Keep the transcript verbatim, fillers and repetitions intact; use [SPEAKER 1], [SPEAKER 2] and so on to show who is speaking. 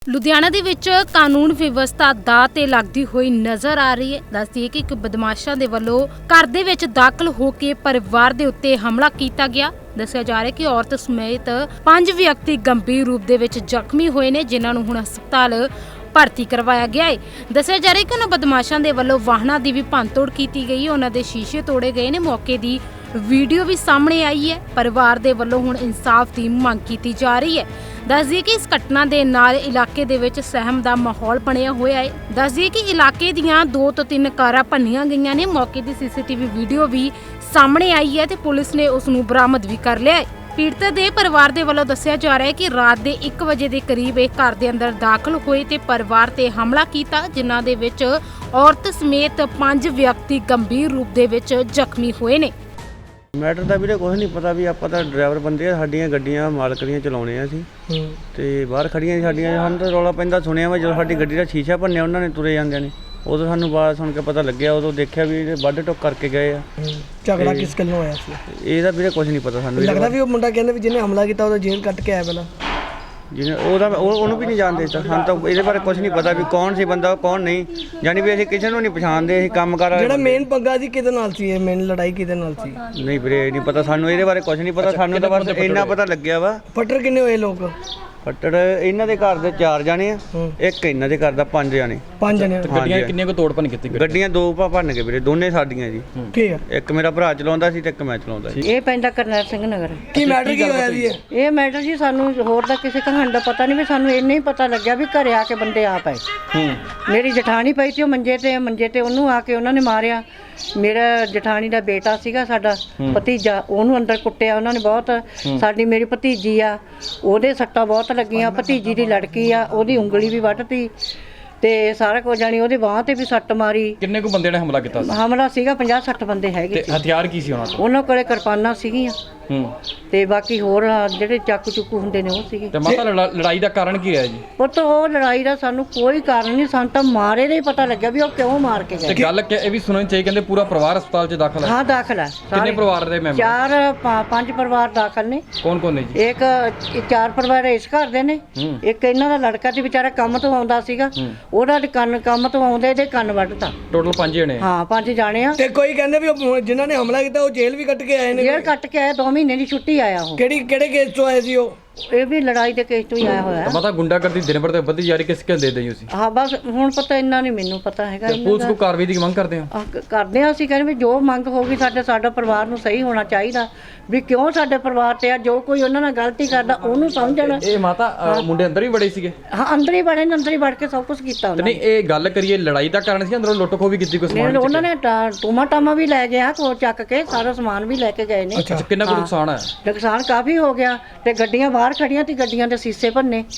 [SPEAKER 1] ਲੁਧਿਆਣਾ ਦੇ ਵਿੱਚ ਕਾਨੂੰਨ ਵਿਵਸਥਾ ਦਾਅ ਤੇ ਲੱਗਦੀ ਹੋਈ ਨਜ਼ਰ ਆ ਰਹੀ ਹੈ। ਦੱਸਦੀ ਹੈ ਕਿ ਇੱਕ ਬਦਮਾਸ਼ਾਂ ਦੇ ਵੱਲੋਂ ਘਰ ਦੇ ਵਿੱਚ ਦਾਖਲ ਹੋ ਕੇ ਪਰਿਵਾਰ ਦੇ ਉੱਤੇ ਹਮਲਾ ਕੀਤਾ ਗਿਆ। ਦੱਸਿਆ ਜਾ ਰਿਹਾ ਕਿ ਔਰਤ ਸਮੇਤ ਪੰਜ ਵਿਅਕਤੀ ਗੰਭੀਰ ਰੂਪ ਦੇ ਵਿੱਚ ਜ਼ਖਮੀ ਹੋਏ ਨੇ, ਜਿਨ੍ਹਾਂ ਨੂੰ ਹੁਣ ਹਸਪਤਾਲ ਭਰਤੀ ਕਰਵਾਇਆ ਗਿਆ ਹੈ। ਦੱਸਿਆ ਜਾ ਰਿਹਾ ਕਿ ਉਹਨਾਂ ਬਦਮਾਸ਼ਾਂ ਦੇ ਵੱਲੋਂ ਵਾਹਨਾਂ ਦੀ ਵੀ ਭੰਨਤੋੜ ਕੀਤੀ ਗਈ ਹੈ, ਉਹਨਾਂ ਦੇ ਸ਼ੀਸ਼ੇ ਤੋੜੇ ਗਏ ਨੇ। ਮੌਕੇ ਦੀ ਵੀਡੀਓ ਵੀ ਸਾਹਮਣੇ ਆਈ ਹੈ। ਪਰਿਵਾਰ ਦੇ ਵੱਲੋਂ ਹੁਣ ਇਨਸਾਫ ਦੀ ਮੰਗ ਕੀਤੀ ਜਾ ਰਹੀ ਹੈ। ਦੱਸ ਦਈਏ ਕਿ ਇਸ ਘਟਨਾ ਦੇ ਨਾਲ ਇਲਾਕੇ ਦੇ ਵਿੱਚ ਸਹਿਮ ਦਾ ਮਾਹੌਲ ਬਣਿਆ ਹੋਇਆ ਹੈ। ਦੱਸ ਦਈਏ ਕਿ ਇਲਾਕੇ ਦੀਆਂ ਦੋ ਤੋਂ ਤਿੰਨ ਕਾਰਾਂ ਭੰਨੀਆਂ ਗਈਆਂ ਨੇ। ਮੌਕੇ ਦੀ ਸੀਸੀਟੀਵੀ ਵੀਡੀਓ ਵੀ ਸਾਹਮਣੇ ਆਈ ਹੈ ਤੇ ਪੁਲਿਸ ਨੇ ਉਸ ਨੂੰ ਬਰਾਮਦ ਵੀ ਕਰ ਲਿਆ ਹੈ। ਪੀੜਤ ਦੇ ਪਰਿਵਾਰ ਦੇ ਵੱਲੋਂ ਦੱਸਿਆ ਜਾ ਰਿਹਾ ਹੈ ਕਿ ਰਾਤ ਦੇ ਇੱਕ ਵਜੇ ਦੇ ਕਰੀਬ ਇਹ ਘਰ ਦੇ ਅੰਦਰ ਦਾਖਲ ਹੋਏ ਤੇ ਪਰਿਵਾਰ ਤੇ ਹਮਲਾ ਕੀਤਾ, ਜਿਨ੍ਹਾਂ ਦੇ ਵਿੱਚ ਔਰਤ ਸਮੇਤ ਪੰਜ ਵਿਅਕਤੀ ਗੰਭੀਰ ਰੂਪ ਦੇ ਵਿੱਚ ਜ਼ਖਮੀ ਹੋਏ ਨੇ।
[SPEAKER 2] ਮੈਟਰ ਦਾ ਵੀਰੇ ਕੁਛ ਨਹੀਂ ਪਤਾ ਵੀ ਆਪਾਂ ਤਾਂ ਡਰਾਈਵਰ ਬੰਦੇ ਆ, ਸਾਡੀਆਂ ਗੱਡੀਆਂ ਮਾਲਕ ਦੀਆਂ ਚਲਾਉਣੇ ਆ ਅਸੀਂ ਤੇ ਬਾਹਰ ਖੜੀਆਂ ਸੀ ਸਾਡੀਆਂ। ਸਾਨੂੰ ਤਾਂ ਰੌਲਾ ਪੈਂਦਾ ਸੁਣਿਆ ਵਾ ਜਦੋਂ ਸਾਡੀ ਗੱਡੀ ਦਾ ਸ਼ੀਸ਼ਾ ਭੰਨਿਆ ਉਹਨਾਂ ਨੇ ਤੁਰੇ ਜਾਂਦਿਆਂ ਨੇ, ਉਦੋਂ ਸਾਨੂੰ ਆਵਾਜ਼ ਸੁਣ ਕੇ ਪਤਾ ਲੱਗਿਆ। ਉਦੋਂ ਦੇਖਿਆ ਵੀ ਇਹ ਵੱਢ ਟੁੱਕ ਕਰਕੇ ਗਏ ਆ।
[SPEAKER 3] ਝਗੜਾ ਕਿਸ ਗੱਲੋਂ ਹੋਇਆ ਸੀ?
[SPEAKER 2] ਇਹਦਾ ਵੀਰੇ ਕੁਛ ਨਹੀਂ ਪਤਾ ਸਾਨੂੰ।
[SPEAKER 3] ਲੱਗਦਾ ਵੀ ਉਹ ਮੁੰਡਾ ਕਹਿੰਦਾ ਵੀ ਜਿਹਨੇ ਹਮਲਾ ਕੀਤਾ ਉਹਦਾ ਜੇਲ੍ਹ ਕੱਟ ਕੇ ਆਇਆ ਪਹਿਲਾਂ।
[SPEAKER 2] ਜਿਹਨੇ ਉਹਦਾ ਉਹ ਉਹਨੂੰ ਵੀ ਨਹੀਂ ਜਾਣਦੇ ਤਾਂ ਸਾਨੂੰ ਤਾਂ ਇਹਦੇ ਬਾਰੇ ਕੁਛ ਨਹੀਂ ਪਤਾ ਵੀ ਕੌਣ ਸੀ ਬੰਦਾ ਕੌਣ ਨਹੀਂ, ਯਾਨੀ ਵੀ ਅਸੀਂ ਕਿਸੇ ਨੂੰ ਨਹੀਂ ਪਛਾਣਦੇ। ਅਸੀਂ ਕੰਮ ਕਰ
[SPEAKER 3] ਜਿਹੜਾ ਮੇਨ ਪੰਗਾ ਸੀ ਕਿਹਦੇ ਨਾਲ ਸੀ? ਇਹ ਮੇਨ ਲੜਾਈ ਕਿਹਦੇ ਨਾਲ ਸੀ?
[SPEAKER 2] ਨਹੀਂ ਵੀਰੇ ਨਹੀਂ ਪਤਾ ਸਾਨੂੰ, ਇਹਦੇ ਬਾਰੇ ਕੁਛ ਨਹੀਂ ਪਤਾ ਸਾਨੂੰ। ਤਾਂ ਬਸ ਇੰਨਾ ਪਤਾ ਲੱਗਿਆ ਵਾ।
[SPEAKER 3] ਫੱਟੜ ਕਿੰਨੇ ਹੋਏ ਲੋਕ?
[SPEAKER 2] ਫੱਟੜ ਇਹਨਾਂ ਦੇ ਘਰ ਦੇ ਚਾਰ ਜਾਣੇ ਆ, ਇੱਕ ਇਹਨਾਂ ਦੇ ਘਰ ਦਾ ਪੰਜ ਜਾਣੇ।
[SPEAKER 3] ਪੰਜ ਜਣੇ?
[SPEAKER 4] ਗੱਡੀਆਂ ਕਿੰਨੀਆਂ ਕੋ ਤੋੜ ਭੰਨ ਕੀਤੀ?
[SPEAKER 2] ਗੱਡੀਆਂ ਦੋ ਭਾ ਭੰਨ ਕੇ ਵੀਰੇ, ਦੋਨੇ ਸਾਡੀਆਂ ਜੀ।
[SPEAKER 3] ਠੀਕ ਆ।
[SPEAKER 2] ਇੱਕ ਮੇਰਾ ਭਰਾ ਚਲਾਉਂਦਾ ਸੀ ਤੇ ਇੱਕ ਮੈਂ ਚਲਾਉਂਦਾ ਸੀ।
[SPEAKER 5] ਇਹ ਪੈਂਦਾ ਕਰਨੈਲ ਸਿੰਘ ਨਗਰ।
[SPEAKER 3] ਕੀ ਮੈਟਰ ਕੀ ਹੋਇਆ ਜੀ?
[SPEAKER 5] ਇਹ ਮੈਟਰ ਜੀ ਸਾਨੂੰ ਹੋਰ ਦਾ ਕਿਸੇ ਕਹਾਣੀ ਦਾ ਪਤਾ ਨਹੀਂ, ਵੀ ਸਾਨੂੰ ਇੰਨਾ ਹੀ ਪਤਾ ਲੱਗਿਆ ਵੀ ਘਰੇ ਆ ਕੇ ਬੰਦੇ ਆ ਪਏ। ਮੇਰੀ ਜਠਾਣੀ ਪਈ ਤੇ ਉਹ ਮੰਜੇ ਤੇ ਮੰਜੇ ਤੇ ਉਹਨੂੰ ਆ ਕੇ ਉਹਨਾਂ ਨੇ ਮਾਰਿਆ। ਮੇਰਾ ਜਠਾਣੀ ਦਾ ਬੇਟਾ ਸੀਗਾ, ਸਾਡਾ ਭਤੀਜਾ, ਉਹਨੂੰ ਅੰਦਰ ਕੁੱਟਿਆ ਉਹਨਾਂ ਨੇ ਬਹੁਤ। ਸਾਡੀ ਮੇਰੀ ਭਤੀਜੀ ਆ, ਉਹਦੇ ਸੱਟਾਂ ਬਹੁਤ ਲੱਗੀਆਂ। ਭਤੀਜੀ ਦੀ ਲੜਕੀ ਆ, ਉਹਦੀ ਉਂਗਲੀ ਵੀ ਵੱਢਤੀ ਤੇ ਸਾਰਾ ਕੁਝ ਜਾਣੀ ਉਹਦੇ ਬਾਂਹ ਤੇ ਵੀ ਸੱਟ ਮਾਰੀ।
[SPEAKER 4] ਕਿੰਨੇ ਕੁ ਬੰਦੇ ਨੇ ਹਮਲਾ ਕੀਤਾ ਸੀ?
[SPEAKER 5] ਹਮਲਾ ਸੀਗਾ ਪੰਜਾਹ ਸੱਠ ਬੰਦੇ ਹੈਗੇ ਸੀ।
[SPEAKER 4] ਹਥਿਆਰ ਕੀ ਸੀ ਉਹਨਾਂ ਕੋਲ?
[SPEAKER 5] ਉਹਨਾਂ ਕੋਲੇ ਕਿਰਪਾਨਾਂ ਸੀਗੀਆਂ
[SPEAKER 4] ਹੂੰ
[SPEAKER 5] ਤੇ ਬਾਕੀ ਹੋਰ ਜਿਹੜੇ ਚਾਕੂ ਚੁੱਕੂ ਹੁੰਦੇ ਨੇ ਉਹ ਸੀਗੇ।
[SPEAKER 4] ਤੇ ਮਾਤਾ ਲੜਾਈ ਦਾ ਕਾਰਨ ਕੀ ਰਿਹਾ ਜੀ?
[SPEAKER 5] ਪੁੱਤ ਉਹ ਲੜਾਈ ਦਾ ਸਾਨੂੰ ਕੋਈ ਕਾਰਨ ਨਹੀਂ, ਸਾਨੂੰ ਤਾਂ ਮਾਰੇ ਦਾ ਹੀ ਪਤਾ ਲੱਗਿਆ ਵੀ ਉਹ ਕਿਉਂ ਮਾਰ ਕੇ
[SPEAKER 4] ਤੇ
[SPEAKER 5] ਗਏ।
[SPEAKER 4] ਗੱਲ ਕਿ ਇਹ ਵੀ ਸੁਣਨੀ ਚਾਹੀਏ, ਕਹਿੰਦੇ ਪੂਰਾ ਪਰਿਵਾਰ ਹਸਪਤਾਲ 'ਚ ਦਾਖਲ ਹੈ।
[SPEAKER 5] ਹਾਂ ਦਾਖਲ ਹੈ।
[SPEAKER 4] ਕਿੰਨੇ ਪਰਿਵਾਰ ਦੇ ਮੈਂਬਰ?
[SPEAKER 5] ਚਾਰ ਪਾ- ਪੰਜ ਪਰਿਵਾਰ ਦਾਖਲ ਨੇ।
[SPEAKER 4] ਕੌਣ ਕੌਣ ਨੇ ਜੀ?
[SPEAKER 5] ਇੱਕ ਇਹ ਚਾਰ ਪਰਿਵਾਰ ਇਸ ਘਰ ਦੇ ਨੇ। ਇੱਕ ਇਹਨਾਂ ਦਾ ਲੜਕਾ ਤੇ ਵਿਚਾਰਾ ਕੰਮ ਤੋਂ ਆਉਂਦਾ ਸੀਗਾ, ਉਹਦਾ ਕੰਨ ਕੰਮ ਤੋਂ ਆਉਂਦੇ ਇਹਦੇ ਕੰਨ ਵੱਢਤਾ।
[SPEAKER 4] ਟੋਟਲ ਪੰਜ ਜਣੇ?
[SPEAKER 5] ਹਾਂ ਪੰਜ ਜਾਣੇ ਆ।
[SPEAKER 3] ਤੇ ਕੋਈ ਕਹਿੰਦੇ ਵੀ ਉਹ ਜਿਨ੍ਹਾਂ ਨੇ ਹਮਲਾ ਕੀਤਾ ਉਹ ਜੇਲ੍ਹ ਵੀ ਕੱਟ ਕੇ ਆਏ ਨੇ।
[SPEAKER 5] ਜੇਲ੍ਹ ਕੱਟ ਕੇ ਆਇਆ, ਦੋ ਮਹੀਨੇ ਦੀ ਛੁੱਟੀ ਆਇਆ ਉਹ।
[SPEAKER 3] ਕਿਹੜੀ ਕਿਹੜੇ ਕੇਸ ਤੋਂ ਆਏ ਸੀ ਉਹ?
[SPEAKER 5] ਇਹ ਵੀ ਲੜਾਈ ਦੇ ਕੇਸ ਤੋਂ ਹੀ ਆਇਆ ਹੋਇਆ।
[SPEAKER 4] ਮਾਤਾ ਗੁੰਡਾਗਰਦੀ ਦਿਨ ਭਰ ਤੇ ਵੱਧਦੀ ਜਾ ਰਹੀ, ਕਿਸ ਕਿਸ ਦੇ ਦੇ ਤੁਸੀਂ?
[SPEAKER 5] ਹਾਂ ਬਸ ਹੁਣ ਪਤਾ ਇੰਨਾ ਨਹੀਂ ਮੈਨੂੰ ਪਤਾ ਹੈਗਾ।
[SPEAKER 4] ਤੇ ਪੁਲਿਸ ਕੋ ਕਾਰਵਾਈ ਦੀ ਮੰਗ ਕਰਦੇ ਹੋ?
[SPEAKER 5] ਆਹ ਕ- ਕਰਦੇ ਆ ਅਸੀਂ, ਕਹਿੰਦੇ ਵੀ ਜੋ ਮੰਗ ਹੋਗੀ ਸਾਡੇ ਸਾਡਾ ਪਰਿਵਾਰ ਨੂੰ ਸਹੀ ਹੋਣਾ ਚਾਹੀਦਾ, ਵੀ ਕਿਉਂ ਸਾਡੇ ਪਰਿਵਾਰ ਤੇ ਆ ਜੋ ਕੋਈ ਉਹਨਾਂ ਨਾਲ ਗਲਤੀ ਕਰਦਾ ਉਹਨੂੰ ਸਮਝਣ।
[SPEAKER 4] ਇਹ ਮਾਤਾ ਅ, ਮੁੰਡੇ ਅੰਦਰ ਹੀ ਬੜੇ ਸੀਗੇ?
[SPEAKER 5] ਹਾਂ ਅੰਦਰ ਹੀ ਬੜੇ ਨੇ, ਅੰਦਰ ਹੀ ਵੜ ਕੇ ਸਭ ਕੁਝ ਕੀਤਾ
[SPEAKER 4] ਤੇ
[SPEAKER 5] ਉਹਨਾਂ
[SPEAKER 4] ਨਹੀਂ ਇਹ ਗੱਲ ਕਰੀਏ ਲੜਾਈ ਦਾ ਕਾਰਨ ਸੀ, ਅੰਦਰੋਂ ਲੁੱਟ ਖੋ ਵੀ ਕੀਤੀ ਕੋਈ
[SPEAKER 5] ਨੇ।
[SPEAKER 4] ਸਮਾਨ?
[SPEAKER 5] ਉਹਨਾਂ ਨੇ ਟੂਮਾ ਟਾਮਾ ਵੀ ਲੈ ਗਿਆ, ਕੋ ਚੱਕ ਕੇ ਸਾਰਾ ਸਮਾਨ ਵੀ ਲੈ ਕੇ ਗਏ ਨੇ।
[SPEAKER 4] ਅੱਛਾ ਕਿੰਨਾ ਕੁ ਨੁਕਸਾਨ ਹੈ?
[SPEAKER 5] ਨੁਕਸਾਨ ਕਾਫੀ ਹੋ ਗਿਆ ਤੇ ਗੱਡੀਆਂ ਬਾਹਰ ਖੜੀਆਂ ਤੇ ਗੱਡੀਆਂ ਦੇ ਸੀਸੇ ਭੰਨੇ।